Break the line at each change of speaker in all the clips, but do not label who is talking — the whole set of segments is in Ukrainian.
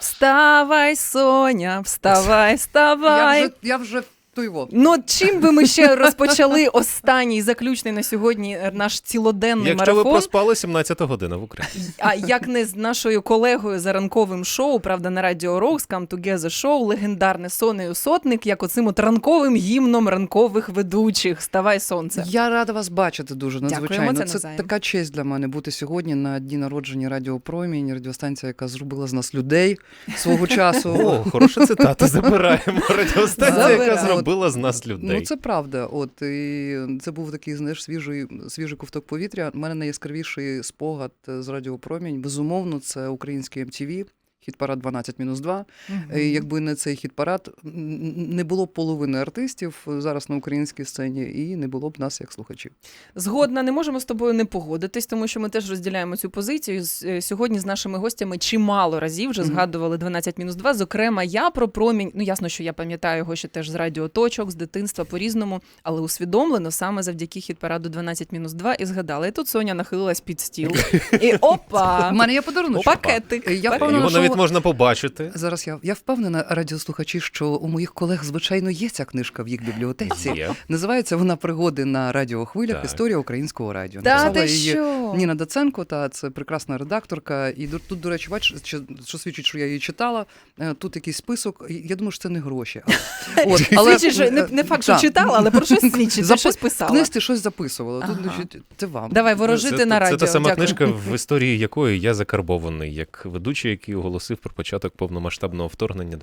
Вставай, Соня, вставай, вставай.
Я вже його.
Ну, чим би ми ще розпочали останній, заключний на сьогодні наш цілоденний марафон?
Якщо ви проспали 17 година в Україні.
А як не з нашою колегою за ранковим шоу, правда, на Радіо Rocks, Come Together Show, легендарне Сонею Сотник, як оцим от ранковим гімном ранкових ведучих. Вставай, сонце.
Я рада вас бачити дуже надзвичайно.
Дякуємо,
це така честь для мене бути сьогодні на дні народження Радіо Промінь, радіостанція, яка зробила з нас людей свого часу.
О, хороша цитата. Забираємо. Радіостанція, яка зробила з нас людей.
Ну, це правда. От, і це був такий, знаєш, свіжий ковток повітря. У мене найяскравіший спогад з Радіо Промінь. Безумовно, це український MTV. Хіт-парад 12-2. Якби не цей хіт-парад, не було б половини артистів зараз на українській сцені, і не було б нас як слухачів.
Згодна, не можемо з тобою не погодитись, тому що ми теж розділяємо цю позицію. Сьогодні з нашими гостями чимало разів вже згадували 12-2. Зокрема, я про Промінь, ну ясно, що я пам'ятаю його ще теж з радіоточок, з дитинства по-різному, але усвідомлено саме завдяки хіт-параду 12-2 і згадала. І тут Соня нахилилась під стіл. І опа!
У мене є подарунок.
Пакетик.
Його навіть можна побачити.
Зараз я впевнена, радіослухачі, що у моїх колег, звичайно, є ця книжка в їх бібліотеці.
Є.
Називається вона «Пригоди на радіохвилях. Так. Історія українського радіо».
Та
Написала
ти
її
що?
Ніна Даценко, це прекрасна редакторка. І тут, до речі, бачиш, що свідчить, що я її читала. Тут якийсь список. Я думаю, що це не гроші.
Свідчить, що не факт, що читала, але про щось свідчить, ти щось писала.
В книжці щось записувала. Тут, це вам.
Давай, ворожити на радіо.
Це та сама
Дякую.
книжка, в історії якої я закарбований, як ведучий, який оголосив про початок повномасштабного вторгнення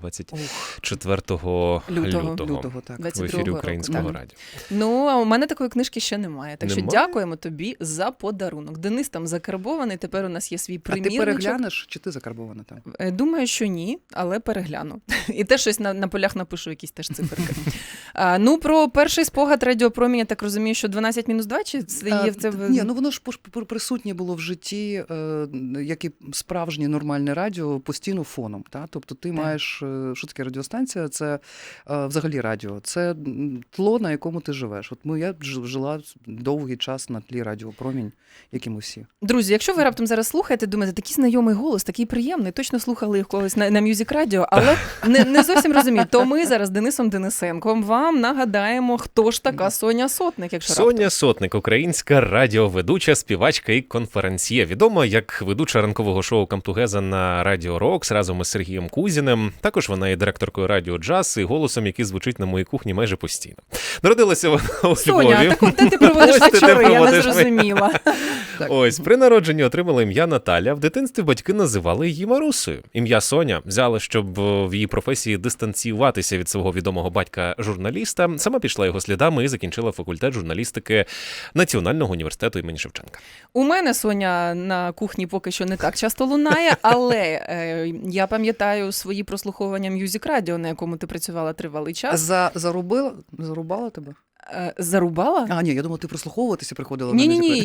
24 лютого
так.
в ефірі Українського радіо.
Ну, а у мене такої книжки ще немає. Так що
Немає?
дякуємо тобі за подарунок. Денис там закарбований, тепер у нас є свій
А ти
примірничок.
переглянеш, чи ти закарбована там?
Думаю, що ні, але перегляну. І теж щось на полях напишу, якісь теж циферки. Ну, про перший спогад Радіо Промінь, я так розумію, що 12-2, чи це є в це...
Ні, ну воно ж присутнє було в житті, як і справжнє нормальне радіо, постійно фоном. Та? Тобто ти маєш, що таке радіостанція? Це взагалі радіо. Це тло, на якому ти живеш. От я жила довгий час на тлі Радіо Промінь, як і ми всі.
Друзі, якщо ви раптом зараз слухаєте, думаєте, такий знайомий голос, такий приємний, точно слухали їх колись на Music Radio, але не зовсім розуміють, то ми зараз Денисом Денисенком вам нагадаємо, хто ж така Соня Сотник, якщо раптом.
Соня Сотник, українська радіоведуча, співачка і конференціє. Відома як ведуча ранкового шоу «Come Together» на Радіо Rocks разом із Сергієм Кузіним. Також вона є директоркою Радіо Джаз і голосом, який звучить на моїй кухні майже постійно. Народилася вона у Львові.
Соня, так от де ти проводиш вечори, я не зрозуміла.
Ось, при народженні отримала ім'я Наталя. В дитинстві батьки називали її Марусею. Ім'я Соня взяла, щоб в її професії дистанціюватися від свого відомого батька-журналіста. Сама пішла його слідами і закінчила факультет журналістики Національного університету імені Шевченка.
У мене Соня на кухні поки що не так часто лунає, але я пам'ятаю свої прослуховування Music Radio, на якому ти працювала тривалий час.
Зарубала тебе?
Зарубала?
А, ні, я думала, ти прослуховуватися приходила.
Ні,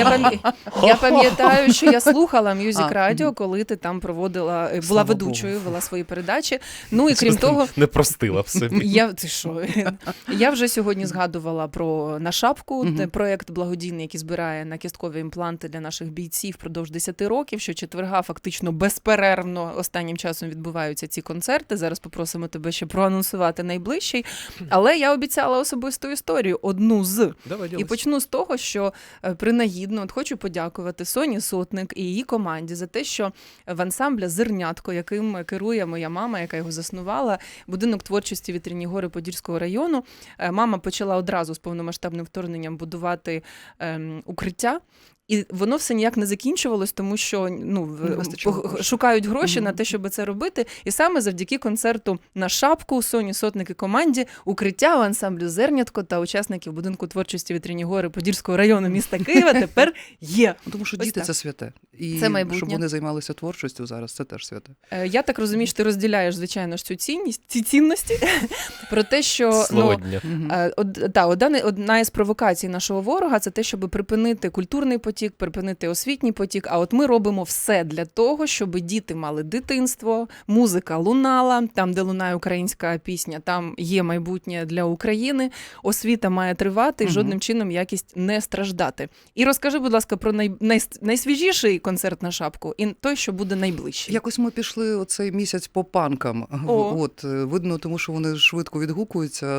я пам'ятаю, що я слухала Music Radio, коли ти там проводила, була ведучою, вела свої передачі. Ну і крім того...
Не простила в собі.
Ти що? Я вже сьогодні згадувала про «На шапку», проєкт благодійний, який збирає на кісткові імпланти для наших бійців впродовж 10 років, що четверга фактично безперервно останнім часом відбуваються ці концерти. Зараз попросимо тебе ще проанонсувати найближчий. Але я обіцяла особисту історію, одну з. І почну з того, що принагідно хочу подякувати Соні Сотник і її команді за те, що в ансамбля «Зернятко», яким керує моя мама, яка його заснувала, будинок творчості «Вітряні гори» Подільського району, мама почала одразу з повномасштабним вторгненням будувати укриття. І воно все ніяк не закінчувалось, тому що шукають гроші на те, щоб це робити. І саме завдяки концерту «На шапку» Соні Сотник і команді укриття у ансамблю «Зернятко» та учасників будинку творчості «Вітряні гори» Подільського району міста Києва тепер є.
Тому що діти – це святе. І
це майбутнє.
Щоб вони займалися творчістю зараз, це теж святе.
Я так розумію, що ти розділяєш, звичайно, ж ці цінності про те, що одна із провокацій нашого ворога – це те, щоб припинити культурний потік, потік, припинити освітній потік. А от ми робимо все для того, щоб діти мали дитинство, музика лунала, там, де лунає українська пісня, там є майбутнє для України, освіта має тривати і жодним чином якість не страждати. І розкажи, будь ласка, про найсвіжіший концерт на шапку і той, що буде найближчий.
Якось ми пішли оцей місяць по панкам.
О.
От, видно, тому що вони швидко відгукуються.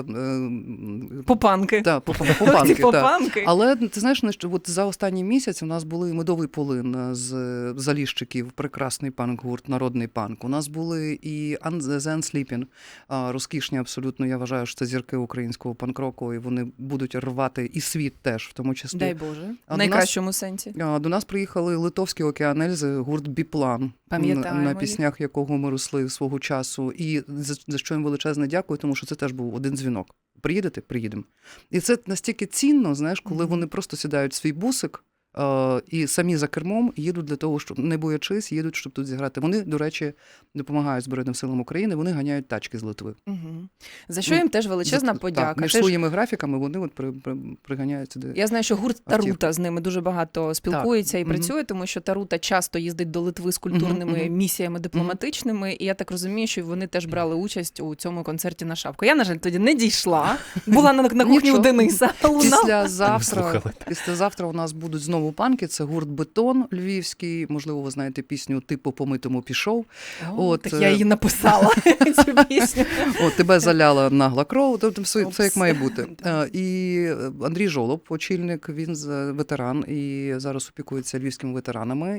Попанки.
Так, попанки. Так.
Попанки.
Але ти знаєш, от за останній місяць у нас були медовий полин з Заліщиків, прекрасний панк-гурт, народний панк. У нас були і The Unsleeping, розкішні абсолютно, я вважаю, що це зірки українського панк-року, і вони будуть рвати і світ теж, в тому числі.
Дай Боже.
А
В найкращому сенсі.
До нас приїхали литовські океанельзи, гурт Біплан,
Пам'ятаємо
на
їх.
піснях якого ми росли свого часу. І за що їм величезне дякую, тому що це теж був один дзвінок. Приїдете? Приїдемо. І це настільки цінно, знаєш, коли вони просто сідають в свій бусик і самі за кермом їдуть для того, щоб, не боячись, їдуть, щоб тут зіграти. Вони, до речі, допомагають Збройним силам України, вони ганяють тачки з Литви.
Угу. За що їм теж величезна подяка.
Так, між
Це ж-
своїми графіками вони от приганяють сюди.
Я знаю, що гурт
Автівки.
Тарута з ними дуже багато спілкується і
Мгм.
працює, тому що Тарута часто їздить до Литви з культурними
Мгм.
місіями дипломатичними, і я так розумію, що вони теж брали участь у цьому концерті на шапку. Я, на жаль, тоді не дійшла. Була на кухні у
Нічого.
Дениса. Лунала.
Слухали.
Післязавтра у нас будуть знову панки. Це гурт Бетон львівський. Можливо, ви знаєте пісню «Типу по митому пішов».
О,
От,
так я її написала, цю пісню.
Тебе заляла нагла кров, тобто все
Опс.
як має бути. І Андрій Жолоб, очільник, він ветеран і зараз опікується львівськими ветеранами.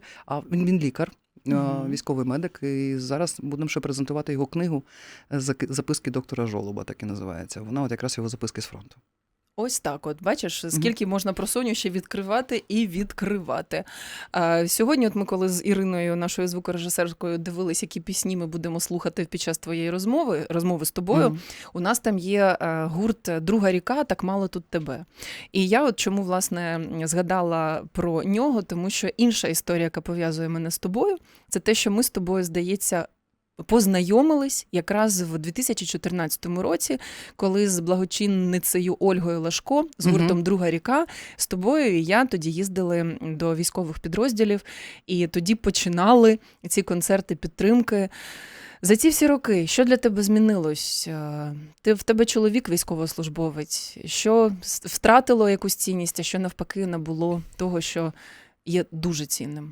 Він лікар, військовий медик. І зараз будемо ще презентувати його книгу «Записки доктора Жолоба», так і називається. Вона от якраз його записки з фронту.
Ось так от, бачиш, скільки можна про Соню ще відкривати і відкривати. Сьогодні от ми коли з Іриною, нашою звукорежисеркою, дивились, які пісні ми будемо слухати під час твоєї розмови з тобою, у нас там є гурт «Друга ріка, так мало тут тебе». І я от чому, власне, згадала про нього, тому що інша історія, яка пов'язує мене з тобою, це те, що ми з тобою, здається, познайомились якраз в 2014 році, коли з благочинницею Ольгою Лашко, з гуртом «Друга ріка», з тобою і я тоді їздили до військових підрозділів, і тоді починали ці концерти підтримки. За ці всі роки, що для тебе змінилось? В тебе чоловік військовослужбовець, що втратило якусь цінність, а що навпаки набуло того, що є дуже цінним?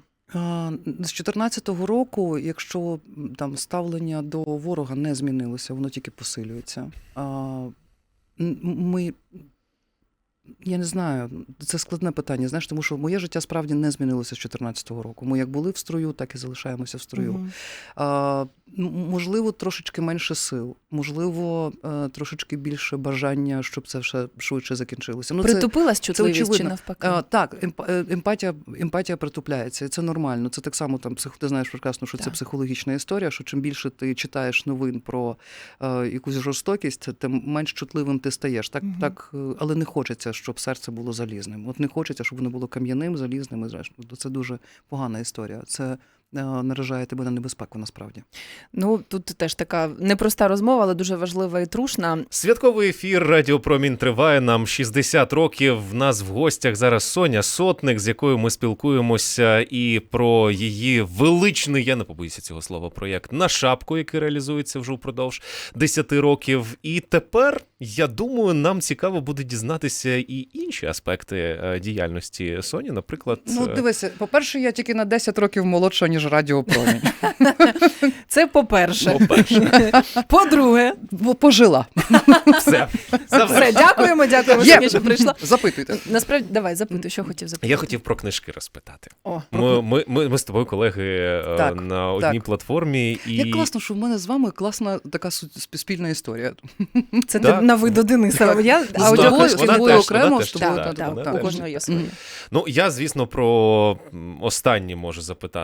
З 14-го року, якщо там ставлення до ворога не змінилося, воно тільки посилюється. Я не знаю, це складне питання, знаєш, тому що моє життя справді не змінилося з 14-го року. Ми як були в строю, так і залишаємося в строю. Можливо, трошечки менше сил, можливо, трошечки більше бажання, щоб це все швидше закінчилося.
Притупилась чутливість чи
очевидно.
навпаки?
Так, емпатія притупляється, і це нормально. Це так само, ти знаєш прекрасно, що це психологічна історія, що чим більше ти читаєш новин про якусь жорстокість, тим менш чутливим ти стаєш. Так, але не хочеться, щоб серце було залізним. От не хочеться, щоб воно було кам'яним, залізним. І зрештою, це дуже погана історія. Це наражає тебе на небезпеку, насправді.
Ну, тут теж така непроста розмова, але дуже важлива і трушна.
Святковий ефір «Радіо Промінь» триває, нам 60 років. В нас в гостях зараз Соня Сотник, з якою ми спілкуємося і про її величний, я не побоюся цього слова, проєкт «На шапку», який реалізується вже впродовж 10 років. І тепер, я думаю, нам цікаво буде дізнатися і інші аспекти діяльності Соні, наприклад...
Ну, дивися, по-перше, я тільки на 10 років молодша, ніж Радіо Промінь.
Це по-перше. По-друге.
Пожила.
Все.
Все, дякуємо, Соня, що прийшла.
Запитуйте.
Насправді, давай, запитуй, що хотів запитати.
Я хотів про книжки розпитати.
О,
Ми з тобою колеги на одній платформі.
Як класно, що в мене з вами класна така спільна історія.
Це на ви до Дениса.
А у тобою окремо,
теж,
щоб
Так, у кожного є своє.
Ну, я, звісно, про останнє можу запитати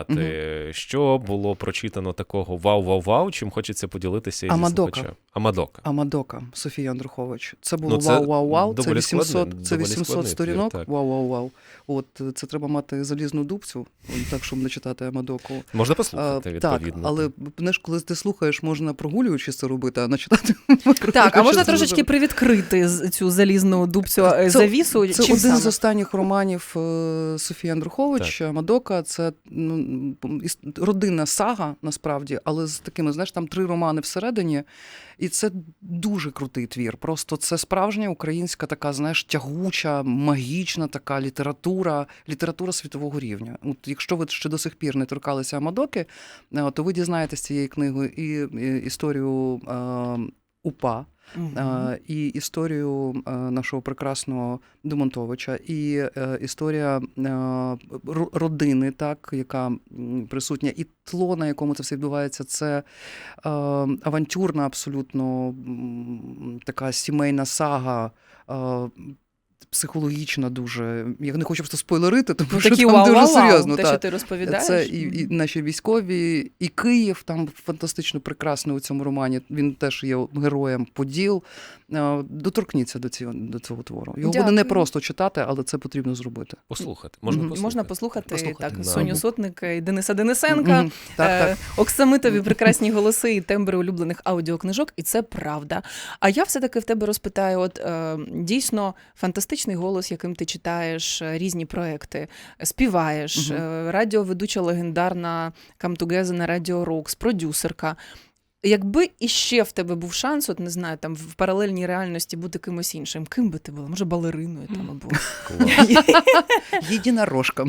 Що було прочитано такого вау-вау-вау, чим хочеться поділитися із
Амадока.
слухачем? Амадока.
Амадока, Софія Андрухович. Це було
Ну, це
вау-вау-вау, це
доволі
800,
складний-
це
доволі
800
складний
сторінок,
твір, так.
вау-вау-вау. От, це треба мати залізну дубцю, так, щоб не читати Амадоку.
Можна послухати, відповідно.
Так, але знаєш, коли ти слухаєш, можна прогулюючись це робити, а не читати.
Так, а можна трошечки привідкрити цю залізну дубцю завісу?
Це
Чим
один
саме?
з останніх романів Софії Андрухович, Амадока. Це родинна сага, насправді, але з такими, знаєш, там 3 романи всередині. І це дуже крутий твір. Просто це справжня українська така, знаєш, тягуча, магічна така література світового рівня. От якщо ви ще до сих пір не торкалися Амадоки, то ви дізнаєтесь цієї книги і історію УПА, і історію нашого прекрасного Демонтовича, і історія родини, так, яка присутня, і тло, на якому це все відбувається, це авантюрна абсолютно така сімейна сага, психологічна дуже. Я не хочу просто спойлерити, тому що
такі
там дуже
вау-вау-вау,
серйозно.
те, що ти розповідаєш.
Це і наші військові, і Київ там фантастично прекрасний у цьому романі. Він теж є героєм Поділ. Доторкніться до цього твору. Його буде не просто читати, але це потрібно зробити.
Послухати.
Можна послухати так,
Да.
Соню Сотник і Дениса Денисенка,
Так.
оксамитові прекрасні голоси і тембри улюблених аудіокнижок, і це правда. А я все-таки в тебе розпитаю, от дійсно фантастичний голос, яким ти читаєш різні проекти, співаєш, радіоведуча легендарна Come Together на Радіо Рокс, продюсерка. Якби іще в тебе був шанс, от не знаю, там в паралельній реальності бути кимось іншим, ким би ти була? Може, балериною там або
Єдинорожка.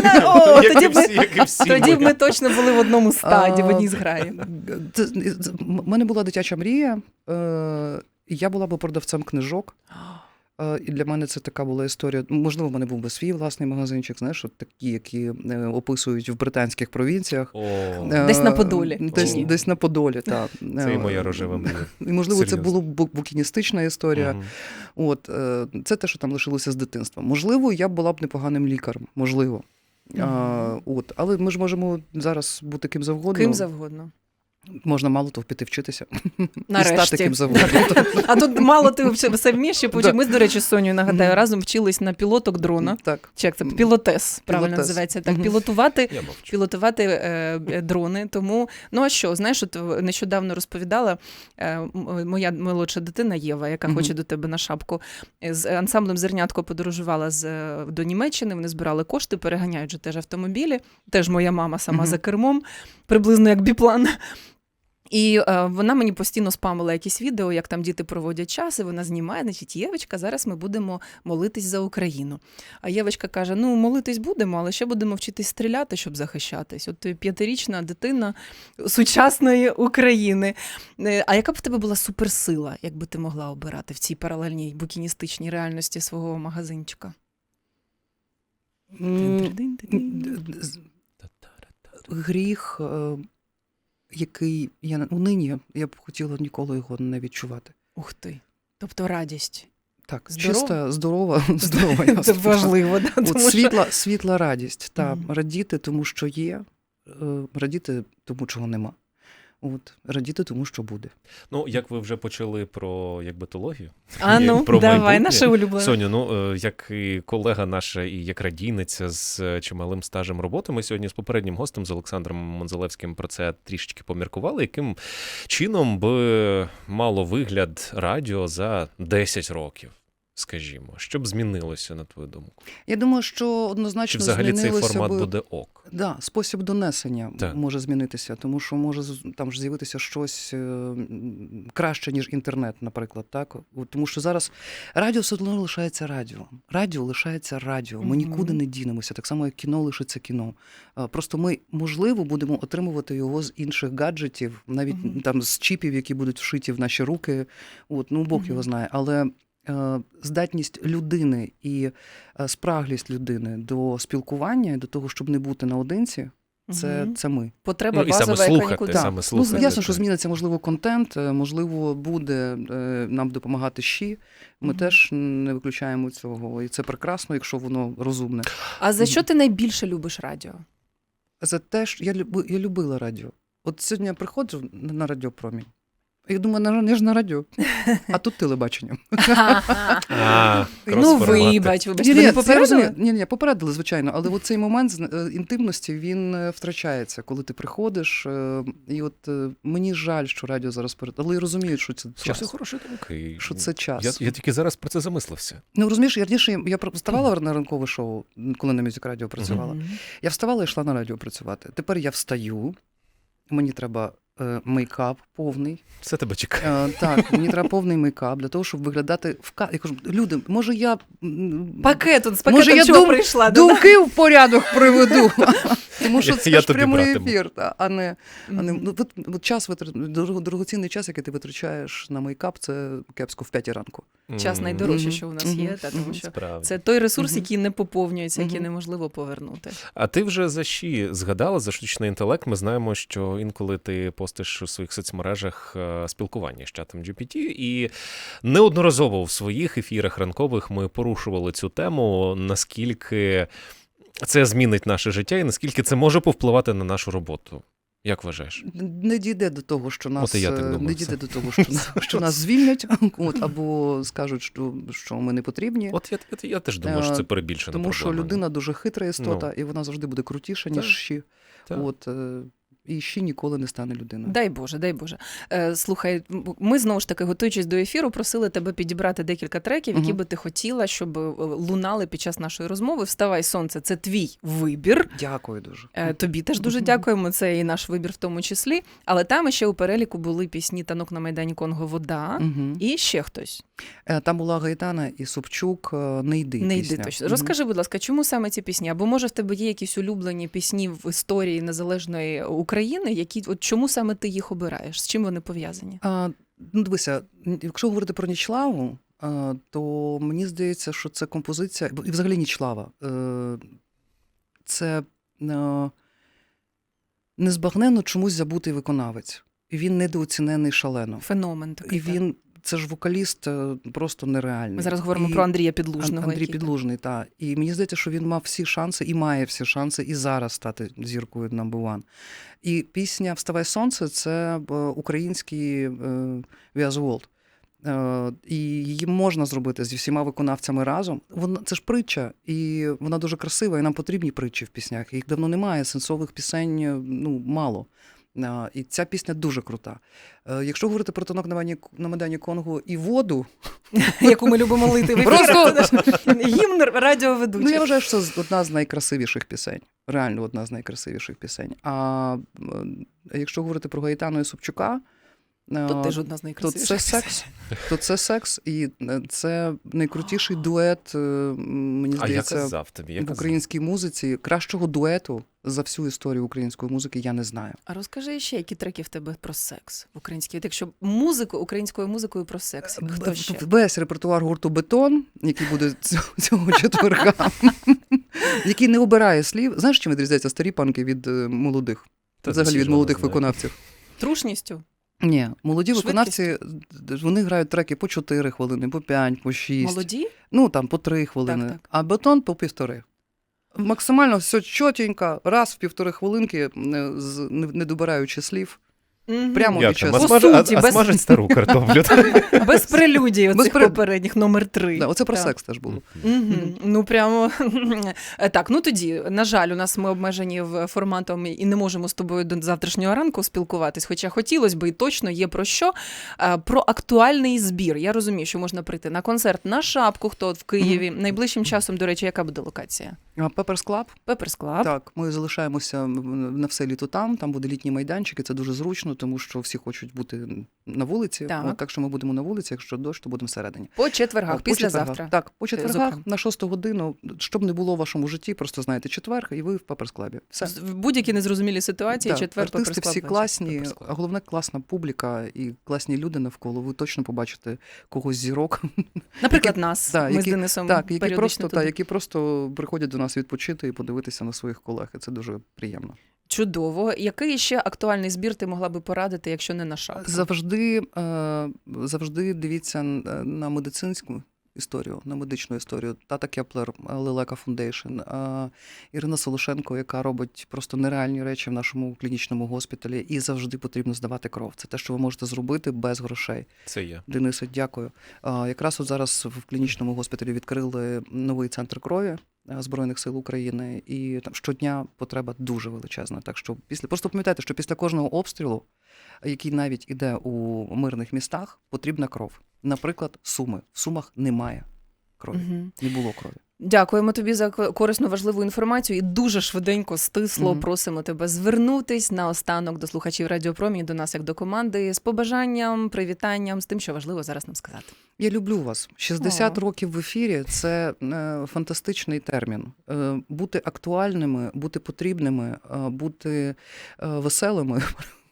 Тоді б ми точно були в одному стаді, в одній зграї.
У мене була дитяча мрія, і я була б продавцем книжок. І для мене це така була історія. Можливо, в мене був би свій власний магазинчик, знаєш, от такі, які описують в британських провінціях.
Десь на Подолі.
Десь на Подолі, так.
Це і моя рожева мрія.
І, можливо,
Серйозно.
це була букіністична історія. От, це те, що там лишилося з дитинства. Можливо, я була б непоганим лікарем. Можливо. Але ми ж можемо зараз бути ким завгодно.
Ким завгодно.
Можна мало того піти вчитися.
Нарешті.
І стати ким завгодно.
А тут мало ти все вмієш. Ми, до речі, з Сонею, нагадаю, разом вчились на пілоток дрона.
Так.
Чи як це? Пілотес, правильно називається. Так, пілотувати дрони. Тому, ну а що, знаєш, от нещодавно розповідала моя молодша дитина Єва, яка хоче до тебе на шапку, з ансамблем «Зернятко» подорожувала до Німеччини, вони збирали кошти, переганяють же теж автомобілі. Теж моя мама сама за кермом, приблизно як біплан. І вона мені постійно спамила якісь відео, як там діти проводять час, і вона знімає, значить, Євочка, зараз ми будемо молитись за Україну. А Євочка каже, ну, молитись будемо, але ще будемо вчитись стріляти, щоб захищатись. От 5-річна дитина сучасної України. А яка б в тебе була суперсила, якби ти могла обирати в цій паралельній букіністичній реальності свого магазинчика?
Гріх, який унині, я б хотіла ніколи його не відчувати.
Ух ти. Тобто радість.
Так,
Здорова?
чиста, здорова.
Це важливо, да?
От світла радість. Радіти тому, що є, радіти тому, чого нема. От, радіти тому, що буде.
Ну, як ви вже почали про теологію.
А ну,
про
давай,
майбутнє.
наше улюблене.
Соню, ну, як і колега наша, і як радійниця з чималим стажем роботи, ми сьогодні з попереднім гостем, з Олександром Монзалевським, про це трішечки поміркували, яким чином би мало вигляд радіо за 10 років, скажімо. Що б змінилося, на твою думку?
Я думаю, що однозначно
Чи взагалі цей
змінилося
формат буде ок?
Да, спосіб донесення
Так.
може змінитися, тому що може там ж з'явитися щось краще, ніж інтернет, наприклад. Так? Тому що зараз радіо все одно лишається радіо. Радіо лишається радіо. Ми нікуди не дінемося, так само, як кіно лишиться кіно. Просто ми, можливо, будемо отримувати його з інших гаджетів, навіть там з чіпів, які будуть вшиті в наші руки. Ну, Бог його знає. Але здатність людини і спраглість людини до спілкування, до того, щоб не бути наодинці, це ми.
Потреба
і
базова,
саме
яка
слухати,
нікуди.
саме слухати.
Ну, ясно, що зміниться, можливо, контент, можливо, буде нам допомагати ЩІ. Ми теж не виключаємо цього. І це прекрасно, якщо воно розумне.
А за що ти найбільше любиш радіо?
за те, що я любила радіо. От сьогодні я приходжу на Радіопромінь, і думаю, я ж на радіо, а тут телебачення.
Ну, вибач, ви не попередили?
Ні, попередили, звичайно, але цей момент інтимності, він втрачається, коли ти приходиш, і от мені жаль, що радіо зараз але розуміють, що це час.
Це хороший думки.
Що це час.
Я тільки зараз про це замислився.
Ну, розумієш, я вставала на ранкове шоу, коли на Мюзик Радіо працювала. Я вставала і йшла на радіо працювати. Тепер я встаю, мені треба мейкап повний.
Все тебе чекає.
Так, мені треба повний мейкап для того, щоб виглядати Я кажу, люди, може я...
З пакетом чого прийшла?
Думки в порядок приведу. Тому що це ж
тобі
прямий
братиму.
ефір, а не дорогоцінний час, який ти витрачаєш на мейкап, це кепсько в 5 ранку.
Час найдорожче, що у нас є, тому що це той ресурс, який не поповнюється, який неможливо повернути.
А ти вже за ЩІ згадала, за штучний інтелект? Ми знаємо, що інколи ти постиш у своїх соцмережах спілкування з чатом GPT, і неодноразово в своїх ефірах ранкових ми порушували цю тему, наскільки це змінить наше життя і наскільки це може повпливати на нашу роботу. Як вважаєш?
Не дійде до того, що нас
не дійде
до того, що нас звільнять, або скажуть, що ми не потрібні.
От я теж думаю, що це перебільшена
проблема. Тому що людина дуже хитра істота, і вона завжди буде крутіша, ніж ЩІ. І ще ніколи не стане людиною.
Дай Боже, дай Боже. Слухай, ми знову ж таки, готуючись до ефіру, просили тебе підібрати декілька треків, які би ти хотіла, щоб лунали під час нашої розмови. «Вставай, сонце» – це твій вибір.
Дякую дуже.
Тобі теж дуже дякуємо, це і наш вибір в тому числі. Але там ще у переліку були пісні «Танок на Майдані Конго», «Вода» і ще хтось.
Там була Гаїтана і Собчук «Не йди» пісня.
«Не йди» точно. Розкажи, будь ласка, чому саме ці пісні? Або, може, в тебе є якісь улюблені пісні в історії незалежної України, які, чому саме ти їх обираєш? З чим вони пов'язані?
Дивися, якщо говорити про Нічлаву, то мені здається, що це композиція, і взагалі Нічлава, це незбагненно чомусь забутий виконавець. І він недооцінений шалено.
Феномен такий.
І він, це ж вокаліст просто нереальний.
Ми зараз говоримо про Андрія Підлужного.
Андрій Підлужний, так. І мені здається, що він мав всі шанси і має всі шанси і зараз стати зіркою number one. І пісня «Вставай, сонце» – це український We Are The World. І її можна зробити зі всіма виконавцями разом. Це ж притча, і вона дуже красива, і нам потрібні притчі в піснях. Їх давно немає, сенсових пісень мало. І ця пісня дуже крута. Якщо говорити про «Танок на Майдані Конго» і «Воду»,
яку ми любимо лити в ефір, гімн радіоведучих.
Я вважаю, що це одна з найкрасивіших пісень. Реально одна з найкрасивіших пісень. А якщо говорити про Гаїтану і Собчука,
то теж одна з найкрасивіших пісень.
То це секс, і це найкрутіший дует, мені здається, в українській музиці. Кращого дуету за всю історію української музики я не знаю.
А розкажи ще, які треки в тебе про секс в українській? Якщо українською музикою про секс, хто ще?
Весь репертуар гурту «Бетон», який буде цього четверга, який не обирає слів. Знаєш, чим відрізняються старі панки від молодих? Взагалі від молодих виконавців.
Трушністю?
Ні, молоді виконавці, вони грають треки по 4 хвилини, по 5, по 6.
Молоді?
Там по 3 хвилини,
так.
А «Бетон» по 1,5. Максимально все чотенько, раз в 1,5 хвилинки, не добираючи слів. Прямо під час.
Смажить стару картоплю.
Без прелюдій оцих попередніх, номер 3.
Оце про секс теж було.
Ну, прямо. Так, тоді, на жаль, у нас ми обмежені форматом і не можемо з тобою до завтрашнього ранку спілкуватись, хоча хотілося б і точно є про що. Про актуальний збір. Я розумію, що можна прийти на концерт на Шапку, хто в Києві. Найближчим часом, до речі, яка буде локація?
Pepper's Club.
Pepper's Club.
Так, ми залишаємося на все літо там буде літній майданчик, і це дуже зручно, тому що всі хочуть бути на вулиці. Так що ми будемо на вулиці, якщо дощ, то будемо всередині.
По четвергах, післязавтра.
Так, по четвергах, на 6 годину, щоб не було в вашому житті, просто знаєте, четверг, і ви в Pepper's Club. Все.
В будь-які незрозумілі ситуації, четвер, Pepper's Club.
Артисти всі класні, а головне класна публіка і класні люди навколо. Ви точно побачите когось зірок.
Наприклад, нас. Ми з Денисом періодично туди.
Які просто приходять до нас відпочити і подивитися на своїх колег. І це дуже приємно.
Чудово. Який ще актуальний збір ти могла би порадити, якщо не на Шапку?
Завжди дивіться на медицинську історію, на медичну історію. Тата Кеплер, Лелека Фундейшн, Ірина Солошенко, яка робить просто нереальні речі в нашому клінічному госпіталі, і завжди потрібно здавати кров. Це те, що ви можете зробити без грошей.
Це є.
Денисе, дякую. Якраз от зараз в клінічному госпіталі відкрили новий центр крові Збройних сил України, і там щодня потреба дуже величезна. Так що просто пам'ятайте, що після кожного обстрілу, який навіть іде у мирних містах, потрібна кров. Наприклад, Суми. В Сумах немає крові. Не було крові.
Дякуємо тобі за корисну, важливу інформацію і дуже швиденько, стисло просимо тебе звернутись наостанок до слухачів Радіо Промінь, до нас як до команди, з побажанням, привітанням, з тим, що важливо зараз нам сказати.
Я люблю вас. 60 років в ефірі – це фантастичний термін. Бути актуальними, бути потрібними, бути веселими.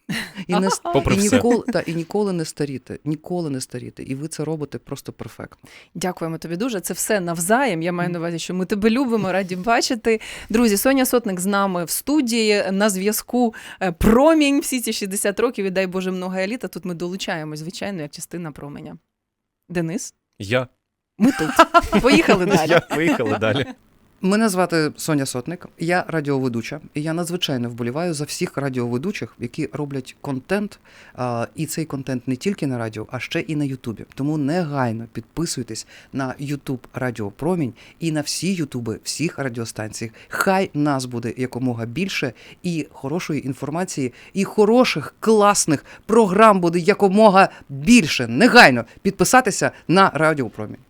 І ніколи не старіти. Ніколи не старіти. І ви це робите просто перфектно.
Дякуємо тобі дуже. Це все навзаєм. Я маю на увазі, що ми тебе любимо, раді бачити. Друзі, Соня Сотник з нами в студії, на зв'язку Промінь всі ці 60 років, і дай Боже много еліта. Тут ми долучаємось, звичайно, як частина Променя. Денис?
Я.
Ми тут. Поїхали далі.
Поїхали далі.
Мене звати Соня Сотник, я радіоведуча, і я надзвичайно вболіваю за всіх радіоведучих, які роблять контент, і цей контент не тільки на радіо, а ще і на Ютубі. Тому негайно підписуйтесь на Ютуб Радіо Промінь і на всі Ютуби всіх радіостанцій. Хай нас буде якомога більше, і хорошої інформації, і хороших, класних програм буде якомога більше. Негайно підписатися на Радіо Промінь.